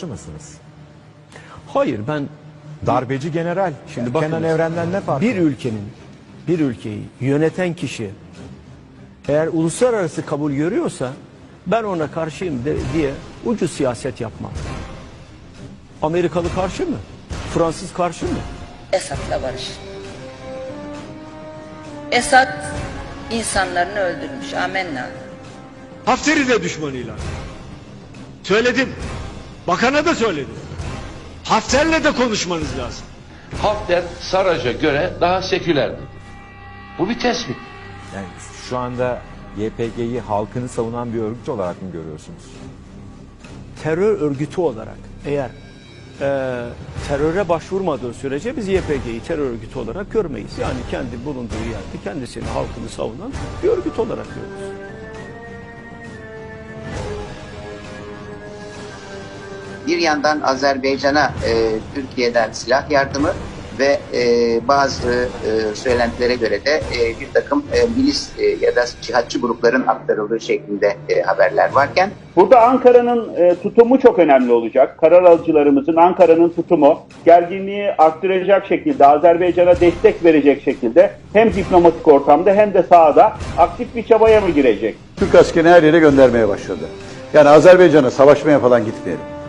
barışçı mısınız? Hayır, ben Darbeci general. Şimdi Kenan bakınız, Evren'den ne farkı? bir ülkeyi yöneten kişi eğer uluslararası kabul görüyorsa ben ona karşıyım diye ucuz siyaset yapmam. Amerikalı karşı mı? Fransız karşı mı? Esad'la barış. Esad insanlarını öldürmüş. Amenna. Hafter'i de düşmanıyla. Söyledim. Bakana da söyledim. Hafter'le de konuşmanız lazım. Hafter Sarraj'a göre daha sekülerdi. Bu bir tespit. Yani şu anda YPG'yi halkını savunan bir örgüt olarak mı görüyorsunuz? Terör örgütü olarak eğer teröre başvurmadığı sürece biz YPG'yi terör örgütü olarak görmeyiz. Yani kendi bulunduğu yerde kendisini, halkını savunan bir örgüt olarak görürüz. Bir yandan Azerbaycan'a Türkiye'den silah yardımı ve bazı söylentilere göre de bir takım milis ya da cihatçı grupların aktarıldığı şeklinde haberler varken, burada Ankara'nın tutumu çok önemli olacak. Karar alıcılarımızın, Ankara'nın tutumu gerginliği arttıracak şekilde, Azerbaycan'a destek verecek şekilde hem diplomatik ortamda hem de sahada aktif bir çabaya mı girecek? Türk askerini her yere göndermeye başladı. Yani Azerbaycan'a savaşmaya falan gitmeyelim.